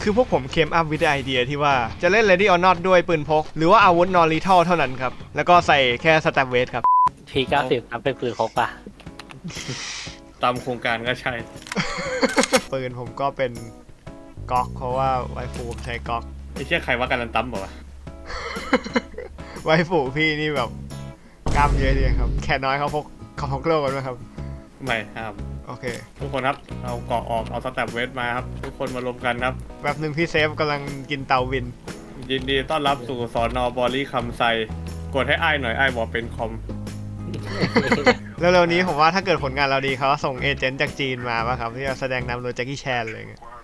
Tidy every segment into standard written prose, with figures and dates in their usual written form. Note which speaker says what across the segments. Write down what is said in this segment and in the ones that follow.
Speaker 1: คือพวกผมเคมอัพวิดไอเดียที่ว่าจะเล่น Ready or Not ด้วยปืนพกหรือว่าอาวุธนอริทัลเท่านั้นครับแล้วก็ใส่แค่สแตมเวสครับ
Speaker 2: P90 ทำเป็นปืนพกป่ะ
Speaker 3: ตามโครงการก็ใช่
Speaker 1: ปืนผมก็เป็นก๊อกเพราะว่าไวฟูผมใช้ก๊อก
Speaker 3: ไอ้เชี่ยใครว่าการันตั้มบอกว่า
Speaker 1: ไวฟูพี่นี่แบบกล้ามเยอะดีครับแค่น้อยเขาพกโลกันไหมครับ
Speaker 3: ไม่ครับ
Speaker 1: โอเค
Speaker 3: ทุกคนครับเอาเกาะออกเอาสแตปเวทมาครับทุกคนมารวมกันครับ
Speaker 1: แบบหนึ่งพี่เซฟกำลังกินเตาวิน
Speaker 3: ยินดีต้อนรับสู่สอนอบอลี่คำไซกดให้อ้ายหน่อยอ้ายบอกเป็นคอม
Speaker 1: เร็วๆนี้ผมว่าถ้าเกิดผลงานเราดีเขาส่งเอเจนต์จากจีนมาป่ะครับที่จะแสดงนำโดยแจ็คกี้แชนเลยเงี้ย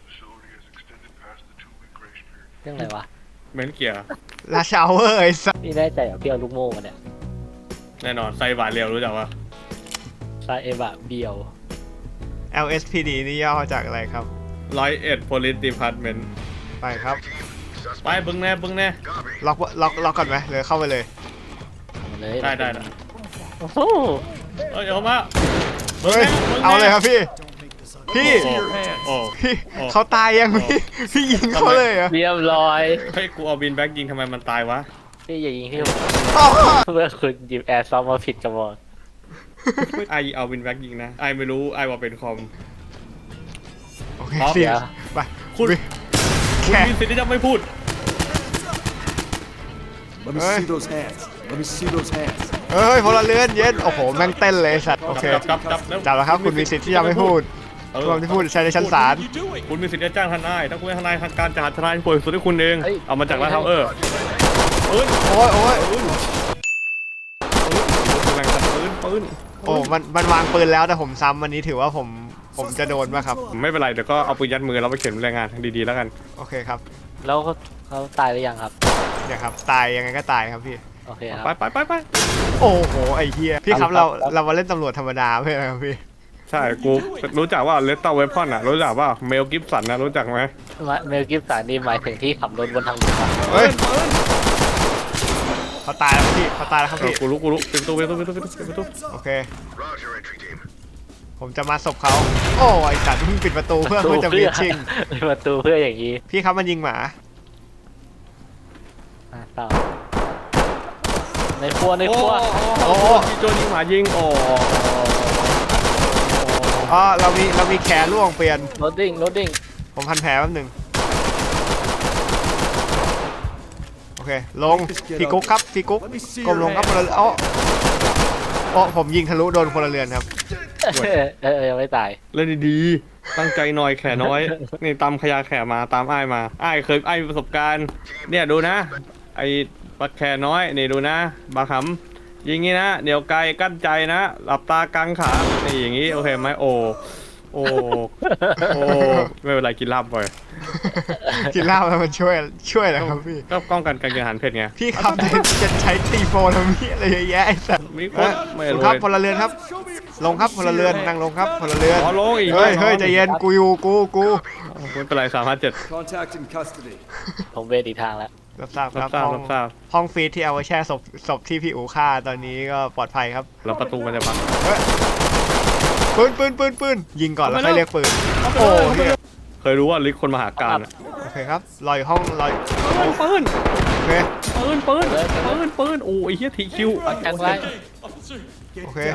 Speaker 2: เรื่องอะไรวะ
Speaker 3: เมนเกียร์
Speaker 1: ลาชาวเวอร์ไอ้สัส
Speaker 2: พี่แน่ใจเหรอพี่เอาลูกโม่มาเนี่ย
Speaker 3: แน่นอนไซบาเรียวรู้จักว่า
Speaker 2: ซาเอวะเบียว
Speaker 1: LSPD นี่ย่อมาจากอะไรครับ
Speaker 3: 101 Police Department
Speaker 1: ไปครับ
Speaker 3: ไปบึ้งแน่บึ้งแน่
Speaker 1: ล็อกก่อนไหมเลยเข้าไปเลย
Speaker 2: เอาเลย
Speaker 3: ได้
Speaker 2: โอ้โห
Speaker 3: เอ้ยเอามา
Speaker 1: เฮ้ยเอาเลยครับพี่ พี่
Speaker 3: โอ้
Speaker 1: พี่เขาตายยังพี่ยิงเขาเลยเหรอ
Speaker 2: เรียบร้อย
Speaker 3: เฮ้ยกูเอาบินแบ็กยิงทำไมมันตายวะ
Speaker 2: พี่อย่ายิงที่ผม
Speaker 1: อ้าว
Speaker 2: เมื่อคุณหยิบแอร์ซอฟมาผิดกระบอก
Speaker 3: ไอเอาบินแบ็กยิงนะไอไม่รู้ไอบอกเป็นคอม
Speaker 1: โอเค
Speaker 3: พร้อม
Speaker 1: เสียไป
Speaker 3: คุณ
Speaker 1: แค่
Speaker 3: มีสิทธิ์ที่จะไม่พูด
Speaker 4: Let me see those hands. Let me see those hands.
Speaker 1: เฮ้ยพลเรือนเย็นโอ้โหแม่งเต้นเลยสัตว์โอเค
Speaker 3: จับ
Speaker 1: จับแล้วครับคุณมีสิทธิ์ที่จะไม่พูดความที่พูดใช้ในชั้นศาล
Speaker 3: คุณมีสิทธิ์จะจ้างทนายถ้าคุณให้ทนายทางการจะหาทนายที่ป่วยสุดให้คุณเองเอามาจากร้านเทาเออเอ้ย
Speaker 1: โอ้ย
Speaker 3: แรงจัดปืน
Speaker 1: โอ้มันวางปืนแล้วแต่ผมซ้ำวันนี้ถือว่าผมจะโดนป่ะครับ
Speaker 3: ไม่เป็นไรเดี๋ยวก็เอาปืนยัดมือเราไปเขียนรายงานดีๆแล้วกัน
Speaker 1: โอเคครับ
Speaker 2: แล้วเขาตายหรือยังครับ
Speaker 1: เนี่ยครับตายยังไงก็ตายครับพี่
Speaker 2: โอเคครับ
Speaker 3: ไป
Speaker 1: โอ้โหไอ้เหี้ยพี่ครับเรามาเล่นตำรวจธรรมดาไม่ใช่ครับพี่
Speaker 3: ใช่กูรู้จักว่าเลสเตอร์เวพอนอ่ะรู้จักว่าเมลกิฟสันนะรู้จักไหม
Speaker 2: เมลกิฟสันนี่หมายถึงที่ขับรถบนทางด่วน
Speaker 1: เฮ้ยเขาตายแล้วพี่เขาตายแล้วครับพี่
Speaker 3: กูรู้เป็นตู้
Speaker 1: โอเคผมจะมาศพเขาโอ้ไอสัตว์เพิ่งปิดประตูเพื่อจะบีบชิง
Speaker 2: ปิดประตูเพื่ออย่างนี้
Speaker 1: พี่ครับมันยิงหมา
Speaker 2: ต่อในครัว
Speaker 3: โอ้โจยิงหมายิงโอ้
Speaker 1: อ๋อเรามีแขนล่วงเปลี่ยน
Speaker 2: โรดดิ้ง
Speaker 1: ผมพันแผลแป๊บหนึงโอเคลงพี่กุ๊กครับพี่กุ๊กก้มลงครับพลเรือนอ๋อผมยิงทะลุโดนพลเรือนครับ
Speaker 2: ยังไม่ตาย
Speaker 3: เล่นดีๆตั้งใจหน่อยแข่น้อยนี่ตามขยาแข่มาตามอ้ายมาอ้ายเคยอ้ายมีประสบการณ์เนี่ยดูนะไอ้ปักแข่น้อยนี่ดูนะบาขำยิงงี้นะเดี๋ยวไกลกั้นใจนะหลับตากลางขานี่อย่างงี้โอเคไหมโอ้ไม่เป็นไรกินลาบบ่อย
Speaker 1: กินเหล้าแล้วมันช่วยนะครับพี่
Speaker 3: ก็ป้องกันการกินอาหารเผ็ดไง
Speaker 1: พี่ครับจะใช้ตีโฟนแล้วมีอะไรเยอะแยะไอ้สัตว์
Speaker 3: มีคนไม่
Speaker 1: คุณ
Speaker 3: รู้
Speaker 1: ครับพลเรือนครับ ลงครับพลเรือนนั่งลงครับพลเรือน
Speaker 3: อ๋อลงอีก
Speaker 1: เฮ้ยใจเย็นกูอยู่กู
Speaker 3: ไม่เป็นไร357
Speaker 4: Contact in custody.
Speaker 2: ผมเวทอีกทางแล้ว
Speaker 1: รับทราบครับ
Speaker 3: รับทราบ
Speaker 1: ห้องฟีดที่เอาไว้แช่ศพที่พี่อู๋ฆ่าตอนนี้ก็ปลอดภัยครับ
Speaker 3: แล้วประตูมันจะพัง
Speaker 1: ปืนยิงก่อนแล้วค่อยเรียกปืนโอ้เฮีย
Speaker 3: เคยรู้ว่าลิกคนมหาการอะ
Speaker 1: โอเคครับรออยู่ห้องรอ
Speaker 3: ปืน
Speaker 1: โอเค
Speaker 3: โอ้ยเฮียทีคิว
Speaker 2: แทงไว้
Speaker 1: โอเค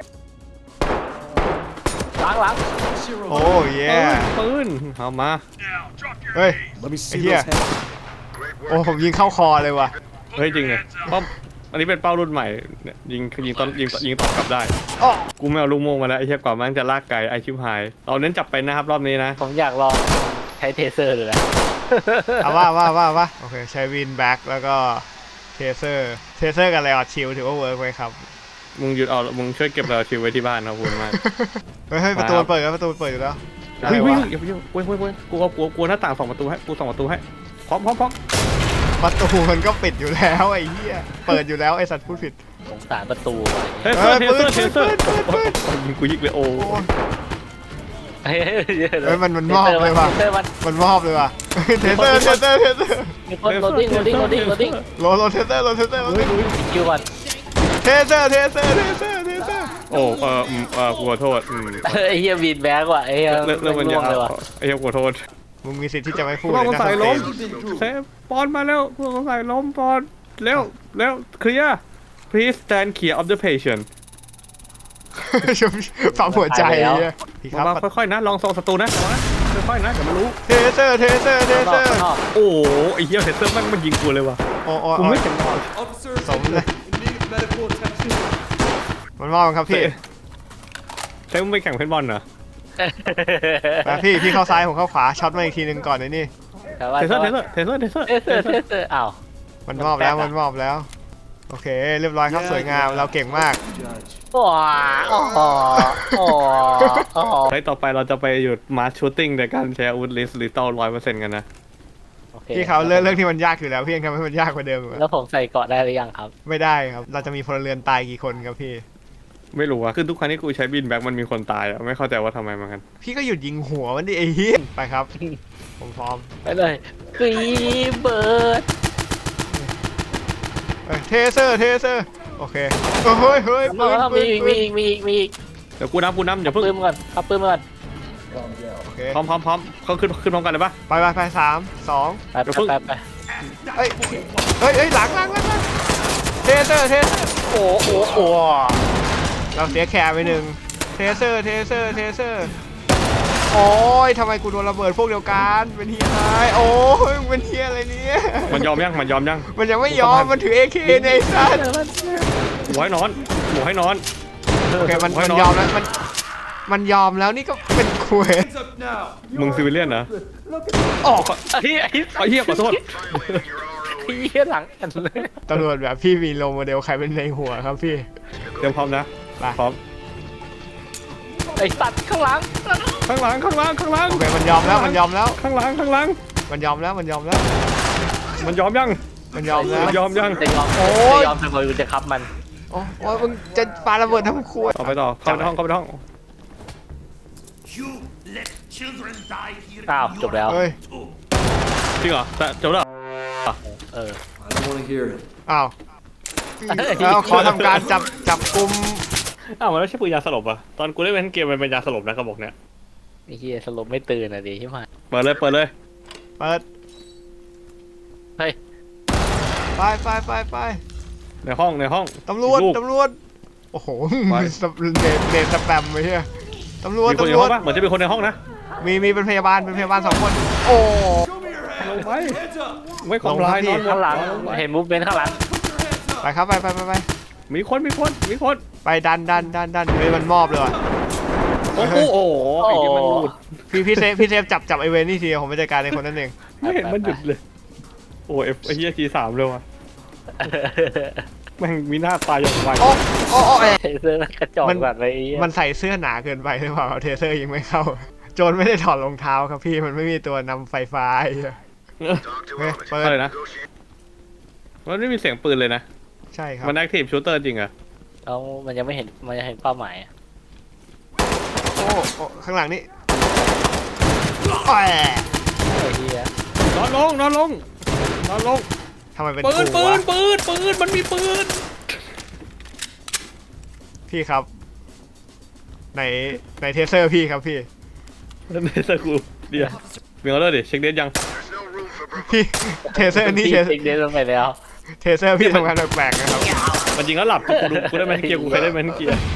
Speaker 2: ล้าง
Speaker 1: โอ้เย่
Speaker 3: ปืนเอามา
Speaker 1: เฮ้ย
Speaker 4: Let me see
Speaker 1: Yeah.
Speaker 4: those hands.
Speaker 1: โอ้ผมยิงเข้าคอเลยว่ะ
Speaker 3: เฮ้ยจริงเลยเพราะอันนี้เป็นเป้ารุ่นใหม่เนี่ยยิงตอนกลับได้
Speaker 1: อ้อ
Speaker 3: กูไม่เอาลูกโม่มาแล้วไอ้เหี้ยกว่ามันจะลากไกลไอชิบหายเราเน้นจับเป็นนะครับรอบนี้นะ
Speaker 2: ผมอยากลองใช้เทเซอร์เลยนะ
Speaker 1: เอาว่าโอเคใช้วินแบ็กแล้วก็เทเซอร์กับไลออดชิลถือว่าเวิร์กไหมครับ
Speaker 3: มึงหยุดเอามึงช่วยเก็บเราชิวไว้ที่บ้านนะคุณมาก
Speaker 1: เฮ้ยประตูเปิดแล้วประตูเปิดอยู่แล้วอะไร
Speaker 3: เฮ้ยว
Speaker 1: ะ
Speaker 3: อย่าไปยุ่งกูกลัวหน้าต่าง2 ประตูให้กู2 ประตูให้พร้อม
Speaker 1: ประตูมันก็ปิดอยู่แล้วไอ้เหี้ยเปิดอยู่แล้วไอ้สัตว์พูดผิด
Speaker 2: สงสารประตูอะไร
Speaker 3: เทเซอร์ยิงกูยิงเลยโอ้
Speaker 2: เงี้ย
Speaker 1: เฮ้ยมันมอบเลยว่ะ
Speaker 2: เทเซอร์มัน
Speaker 1: มันมอบเลยว่ะเทเซอร์
Speaker 2: มีคนโรดดิ้ง
Speaker 1: โลเทเซอร์
Speaker 2: คิวก่อน
Speaker 1: เทเซอร์
Speaker 3: โอ้กูขอโทษ
Speaker 2: ไอ้เฮียบีนแบ็กว่ะไอ้เฮีย
Speaker 3: เรื่องมัน
Speaker 2: ล่
Speaker 3: ยาว
Speaker 2: งเลยว่ะ
Speaker 3: ไอ้เหี้ยขอโทษ
Speaker 1: มึงมีสิทธิ์ที่จะไม่พูด
Speaker 3: ผู้
Speaker 1: เลย
Speaker 3: ต้อง
Speaker 1: นะ
Speaker 3: สงสัยล้ม
Speaker 1: ส
Speaker 3: เซฟปอนมาแล้วผู้ต้องสงสัยล้มปอนเร็วเคลียร์ please stand clear of the patient
Speaker 1: ปั๊มหัวใจเนี่ยพี่ครับ
Speaker 3: มาค่อยๆนะลองส่องศัตรูนะค่อยๆนะเดี๋ยวมันรู้
Speaker 1: เทเซอร์
Speaker 2: ข้างนอกข้างนอก
Speaker 3: โอ้โหไอ้เหี้ยเฮเซอร์แม่งมันยิงกูเลยว่ะ
Speaker 1: โอ้
Speaker 3: กูไม่เห็นหรอก
Speaker 4: Officers
Speaker 1: Sống
Speaker 4: in
Speaker 1: đây.
Speaker 4: need of medical attention.
Speaker 1: มันมอบครับพี่
Speaker 3: เซฟมึงไปแข่งเพนบอลเหรอ
Speaker 1: มาพี่เข้าซ้ายผมเข้าขวาช็อตมาอีกทีนึงก่อนไอ้นี่
Speaker 2: แต่ว่า
Speaker 3: เทเซอร์
Speaker 2: อ้าว
Speaker 1: มันมอบแล้วมันมอบแล้วโอเคเรียบร้อยครับสวยงามเราเก่งมาก
Speaker 4: Judge.
Speaker 2: ว้าโอ้โหโอ้โห
Speaker 3: ใช้ต่อไปเราจะไปหยุดมาร์ชชูตติ้งในการใช้อาวุธลิสต์ลิตอล100%กันนะ
Speaker 2: โอเค
Speaker 1: พี่เขาเรื่องที่มันยากอยู่แล้วพี่ยังทำให้มันยากกว่าเดิมอีก
Speaker 2: แล้วผมใส่เกราะได้หรือยังครับ
Speaker 1: ไม่ได้ครับเราจะมีพลเรือนตายกี่คนครับพี่
Speaker 3: ไม่รู้อะคือทุกครั้งที่กูใช้บินแบ็กมันมีคนตายอะไม่เข้าใจว่าทำไมเหมือนกัน
Speaker 1: พี่ก็หยุดยิงหัวมันดิไอ้เหี้ยไปครับผมพร้อม
Speaker 2: ไปเลยฟรีเบิร์ด
Speaker 1: เทเซอร์โอเคเฮ้ยปืน
Speaker 2: มีอีก
Speaker 3: เดี๋ยวกูนับอย่า
Speaker 2: ปื
Speaker 3: เพิ่ง
Speaker 2: นก่อนเอาปืนก่อน
Speaker 1: โอเค
Speaker 3: พร้อมเขาขึ้นพร้อมกันเลยปะ
Speaker 1: ไป3 2
Speaker 2: ไป
Speaker 1: เฮ้ยหลังเทเซอร์
Speaker 2: โอ้โห
Speaker 1: เราเสียแคร์ไปหนึ่งเทเซอร์โอ้ยทำไมกูโดนระเบิดพวกเดียวกันเป็นเฮียอะไรโอ้ยมึงเป็นเฮียอะไรเนี่ย
Speaker 3: มันยอมยัง
Speaker 1: มันยังไม่ยอมมันถือ AK ในไอ้สัตว์
Speaker 3: หมูให้นอน
Speaker 1: โอเคมัน
Speaker 3: ไว้นอน
Speaker 1: ยอมแล้วมันยอมแล้วนี่ก็เป็นคุย
Speaker 4: Hands up now.
Speaker 3: มึงซิวิเลียนเหรอ
Speaker 2: ไอ้เหี้ย
Speaker 3: ไอ้เหี้ยขอโทษ
Speaker 2: หลังกันเลย
Speaker 1: ตำรวจแบบพี่มีโลโมเดลใครเป็นในหัวครับพี่
Speaker 3: เตรียมพร้อมนะ
Speaker 1: ไป
Speaker 3: พร้อม
Speaker 2: ไอ้สัตว์ข้างหลัง
Speaker 3: ข้างหลัง
Speaker 1: โอเคมันยอมแล้ว
Speaker 3: ข้างหลัง
Speaker 1: มันยอมแล้ว
Speaker 3: มันยอมยัง
Speaker 1: มันยอมแล้ว
Speaker 3: ยอมยัง
Speaker 2: จะยอม
Speaker 1: โอ้ย
Speaker 2: ทำไมกูจะคับมัน
Speaker 1: โอ้ยมึงจะปาระเบิดทำครัว
Speaker 3: ต่อไปต่อเข้าไปในห้อง
Speaker 5: You let children die here.
Speaker 2: อ้าวจบแล้ว
Speaker 1: เฮ้ย
Speaker 3: จริงเหรอแต่จบแล้ว
Speaker 2: เออ
Speaker 4: I don't want to hear it.
Speaker 1: อ้าวแล้วขอทำการจับกุม
Speaker 3: อ้าวมันไม่ใช่ปืนยาสลบอ่ะตอนกูเล่นเป็นเกมมันเป็นยาสลบนะกระบอกเนี้ย
Speaker 2: ไอ้เหี้ยสลบไม่ตื่นอ่ะดิใช่ไหม
Speaker 3: เปิดเลย
Speaker 1: เปิด
Speaker 2: เฮ้ย
Speaker 1: ไป
Speaker 3: ในห้อง
Speaker 1: ตำรวจ
Speaker 3: ลูก
Speaker 1: โอ้โห
Speaker 3: ไป
Speaker 1: เดทสแปมไปเฮียตำรวจ
Speaker 3: มีคนอยู่ห้องปะเหมือนจะมีคนในห้องนะ
Speaker 1: มีเป็นพยาบาล2 คน โอ้
Speaker 3: ลงไป
Speaker 4: Hands up.
Speaker 3: ไม่คอมไลน์นอน
Speaker 2: ข้างหลังเห็นมูฟเมนต์ข้างหลัง
Speaker 1: ไปครับไป
Speaker 3: มีคน
Speaker 1: ไปดันเฮ้ยมันมอบเลยว่ะ
Speaker 3: โอ้โหไอ้ที่มันหลุด
Speaker 1: พี่เซฟจับไอเวนนี่ทีผมไปจัดการในคนนั้นเอง
Speaker 3: ไม่เห็นมันหยุดเลย โอ้ยไอ้เหี้ยG3เลยว่ะแม่งมีหน้าตายอย่างไว
Speaker 1: โอ้เอ๊ะ
Speaker 2: เสื้อกระจอกแบบไอ้เหี้ย
Speaker 1: มันใส่เสื้อหนาเกินไปหรือเปล่าเทเซอร์ยิงไม่เข้า โจรไม่ได้ถอดรองเท้าครับพี่มันไม่มีตัวนำไฟฟ้าไอ้เหี้ยเฮ้ยเปิ
Speaker 3: อะไร
Speaker 1: ด
Speaker 3: นะมันไม่มีเสียงปืนเลยนะ
Speaker 1: ใช่ครับ
Speaker 3: มันแอคทีฟชูเตอร์จริงอะ
Speaker 2: แล้วมันยังไม่เห็นเป้าหมายอะ
Speaker 1: โอ้ข้างหลังนี่แหม
Speaker 2: ไอ้เหี้ย
Speaker 3: นอนลง
Speaker 1: ทำไมเป็น
Speaker 3: ปืน
Speaker 1: กูวะ
Speaker 3: มันมีปืน
Speaker 1: พี่ครับในเทเซอร์พี่ครับพี่
Speaker 3: นั่นเนสกูเดี๋ยวมีออเดอร์ดิเช็คเดทยัง
Speaker 1: พี่เทเซอร์นี่
Speaker 2: เด็กเดินลงไปแล้ว
Speaker 1: เทเซอร์พี่ทำงานแปลกๆนะครับ
Speaker 3: มันจริงแล้วหลับกูได้แมนเกียร์กูเคยได้แมนเกียร์